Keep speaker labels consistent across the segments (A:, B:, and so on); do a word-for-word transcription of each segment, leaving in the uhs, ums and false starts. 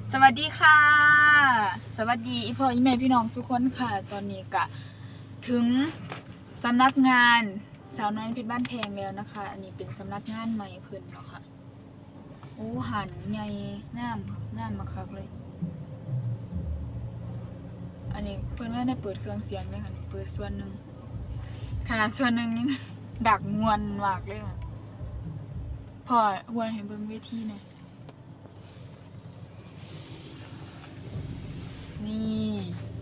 A: สวัสดีค่ะสวัสดีอีพ่ออีแม่พี่น้องทุกคนค่ะตอนนี้ก็ถึงสำนักงานสาวน้อยเพชรบ้านแพงแล้วนะคะอันนี้เป็นสำนักงานใหม่เพิ่นเนาะค่ะโอ้หันใหญ่งามงามมากเลยอันนี้เพิ่นไม่ได้เปิดเครื่องเสียงเลยค่ะเปิดส่วนหนึ่งขนาดส่วนหนึ่งยังดักมวนมากเลยค่ะพ่อหวยให้เบิ่งเวทีหน่อยนี่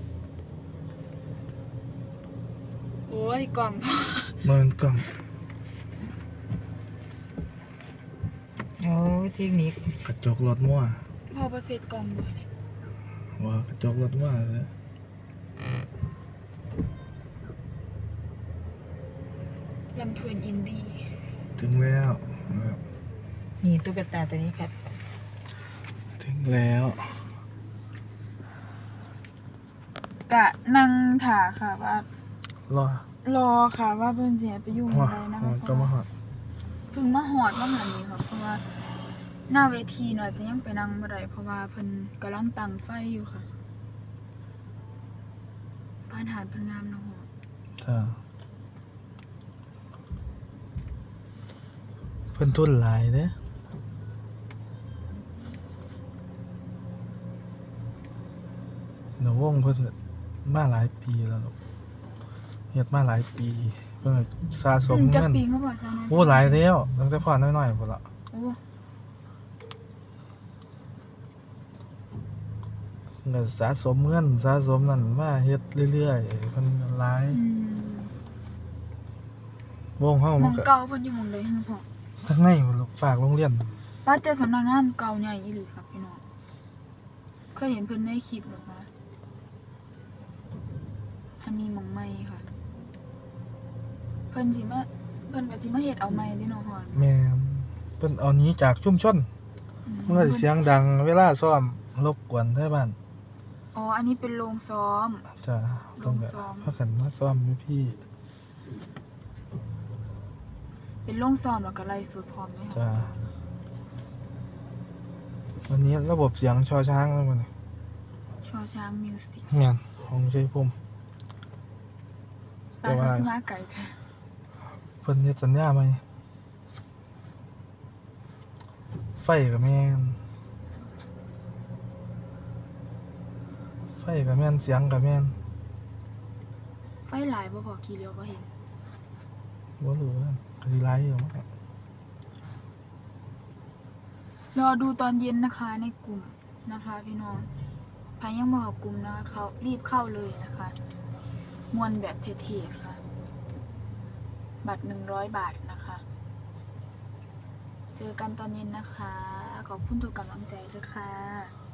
A: โอ้ยกล่อง
B: มันกล่อง
C: โอ้เทคนิค
B: กระจกรถมั่ว
A: พอประเสร็จกล่องเลย
B: ว่ากระจกรถมั่วเลย
A: ลำเพลินอินดี้
B: ถึงแล้ว
C: นี่ตุ๊กตาตัวนี้ครับ
B: ถึงแล้ว
A: กะนั่งถ่าค่ะว่ารอรอค่ะว่าเพิ่นเสียไปยุ่งอะไรนะคะ
B: ก็มาหอด
A: เพิ่งมาหอดว่าเหมือนนี้ค่ะเพราะว่าหน้าเวทีเนาะจะยังไปนั่งบ่ได้เพราะว่าเพิ่นกำลังตั้งไฟอยู่ค่ะบ้านหาดเพิ่นงามเนาะ
B: จ้าเพิ่นทุนหลายเด้หนูวงเพิ่นมาหลายปีแล้วเฮ็ดมาหลายปีเพิ่นสะสมเงินโอ้หลายแล้วตั้งแต่พ่อน้อยๆพุ่นล่ะโอ้เงินสะสมเงินสะสมนั่นมาเฮ็ดเรื่อยๆเพิ่นหลายวงเฮา
A: มันเก่าเพิ่นอยู่หม้องใดฮึพ่อ
B: ทั้งในลูกฝากโรงเรียน
A: ป้าแต่สำนักงานเก่าใหญ่อีหลีครับพี่น้องเคยเห็นเพิ่นในคลิปหรอคะอันนี้หม้องใหม่ค่ะเพิ่นสิมาเพิ่นก็สิมาเฮ็ดเอาใหม่เด้เนาะพ่อ
B: แม่นเพิ่นเอานี้จากชุมชนมันก็สิเสียงดังเวลาซ้อมรบกวนไทบ้าน
A: อ๋ออันนี้เป็นโรงซ้อม
B: จ้ะโรงซ้อมพากันมาซ้อมอยู่พี่
A: เป็นโรงซ้อมแล้วก็ไล่สดพร้อมมั้ย
B: จ้ะวันนี้ระบบเสียงชอช้างแล้วมื้อนี้
A: ชอช้างมิวสิก
B: แม่นของชัยภูมิ
A: แต่ว่ามาไกลแท้
B: เพิ่นเฮ็ดสัญญาใหม่ไฟก็แม่นไฟก็แม่นเสียงก็แม่น
A: ไฟหลายบ่พอกี่เลี้ยวบ่เห็น
B: บ่รู้ว่าก็สิหลายอยู่มั้ง
A: รอดูตอนเย็นนะคะในกลุ่มนะคะพี่น้องใครยังบ่เข้ากลุ่มนะคะเขารีบเข้าเลยนะคะมวนแบบเท่ๆค่ะบัตรหนึ่งร้อยบาทนะคะเจอกันตอนเย็นนะคะขอบคุณทุกกำลังใจด้วยค่ะ